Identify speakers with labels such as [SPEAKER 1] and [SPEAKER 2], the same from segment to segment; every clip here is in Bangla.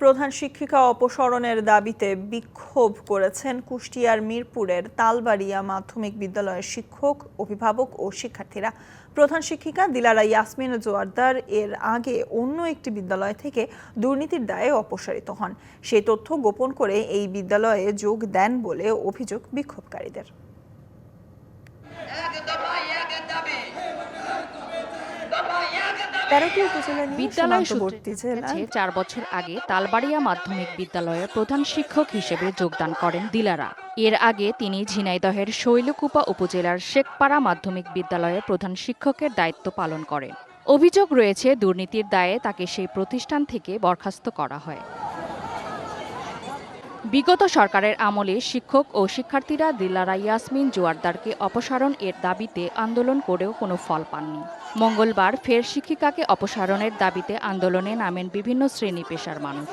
[SPEAKER 1] প্রধান শিক্ষিকা অপসারণের দাবিতে বিক্ষোভ করেছেন কুষ্টিয়ার মিরপুরের তালবাড়িয়া মাধ্যমিক বিদ্যালয়ের শিক্ষক, অভিভাবক ও শিক্ষার্থীরা। প্রধান শিক্ষিকা দিলারা ইয়াসমিন জোয়ারদার এর আগে অন্য একটি বিদ্যালয় থেকে দুর্নীতির দায়ে অপসারিত হন। সেই তথ্য গোপন করে এই বিদ্যালয়ে যোগ দেন বলে অভিযোগ বিক্ষোভকারীদের।
[SPEAKER 2] বিদ্যালয় সূত্রে 4 বছর আগে তালবাড়িয়া মাধ্যমিক বিদ্যালয়ের প্রধান শিক্ষক হিসেবে যোগদান করেন দিলারা। এর আগে তিনি ঝিনাইদহের শৈলকুপা উপজেলার শেখপাড়া মাধ্যমিক বিদ্যালয়ের প্রধান শিক্ষকের দায়িত্ব পালন করেন। অভিযোগ রয়েছে দুর্নীতির দায়ে তাকে সেই প্রতিষ্ঠান থেকে বরখাস্ত করা হয়। বিগত সরকারের আমলে শিক্ষক ও শিক্ষার্থীরা দিলারা ইয়াসমিন জোয়ারদারকে অপসারণ এর দাবিতে আন্দোলন করেও কোনো ফল পাননি। মঙ্গলবার ফের শিক্ষিকাকে অপসারণের দাবিতে আন্দোলনে নামেন বিভিন্ন শ্রেণী পেশার মানুষ।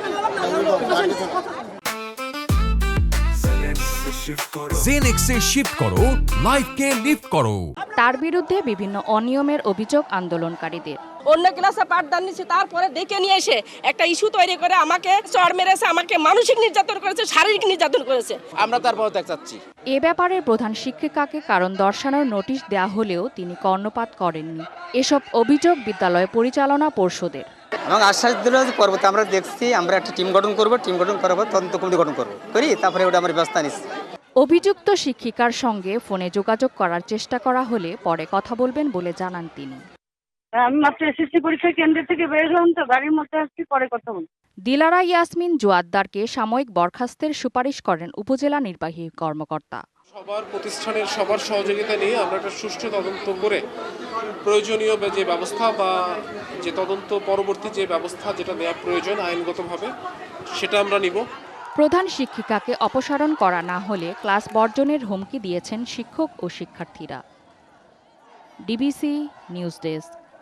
[SPEAKER 3] জেনেক্সে শিফট করো, লাইফকে লিফট করো।
[SPEAKER 2] তার বিরুদ্ধে বিভিন্ন অনিয়মের অভিযোগ আন্দোলনকারীদের।
[SPEAKER 4] অন্য ক্লাসে পাঠদান নিচ্ছে, তারপরে ডেকে নিয়ে এসে একটা ইস্যু তৈরি করে আমাকে চড় মেরেছে, আমাকে মানসিক নির্যাতন করেছে, শারীরিক নির্যাতন করেছে।
[SPEAKER 5] আমরা তার পদত্যাগ চাচ্ছি।
[SPEAKER 2] এ ব্যাপারে প্রধান শিক্ষিকাকে কারণ দর্শানোর নোটিশ দেওয়া হলেও তিনি কর্ণপাত করেননি। এসব অভিযোগ বিদ্যালয় পরিচালনা পর্ষদের।
[SPEAKER 5] এবং আশ্বাস দিল যে পরবর্তী আমরা দেখছি, আমরা একটা টিম গঠন করব, টিম গঠন করার পর তদন্ত কমিটি গঠন করব, করি তারপরে ওটা আমরা ব্যবস্থা নিচ্ছি।
[SPEAKER 2] অভিযুক্ত শিক্ষিকার সঙ্গে ফোনে যোগাযোগ করার চেষ্টা করা হলে পরে কথা বলবেন বলে জানান তিনি।
[SPEAKER 6] আমি মাত্র এসএসসি পরীক্ষা কেন্দ্র থেকে বের হলাম, তো গাড়ির মধ্যে আসছি, পরে কথা বলব।
[SPEAKER 2] দিলারা ইয়াসমিন জোয়ারদারকে সাময়িক বরখাস্তের সুপারিশ করেন উপজেলা নির্বাহী কর্মকর্তা।
[SPEAKER 7] সবার প্রতিষ্ঠানের সবার সহযোগিতা নিয়ে আমরা একটা সুষ্ঠু তদন্ত করে প্রয়োজনীয় যে ব্যবস্থা বা যে তদন্ত পরবর্তী যে ব্যবস্থা যেটা নেওয়া প্রয়োজন আইনগতভাবে সেটা আমরা নিব।
[SPEAKER 2] প্রধান শিক্ষিকাকে অপসারণ করা না হলে ক্লাস বর্জনের হুমকি দিয়েছেন শিক্ষক ও শিক্ষার্থীরা। DBC news desk.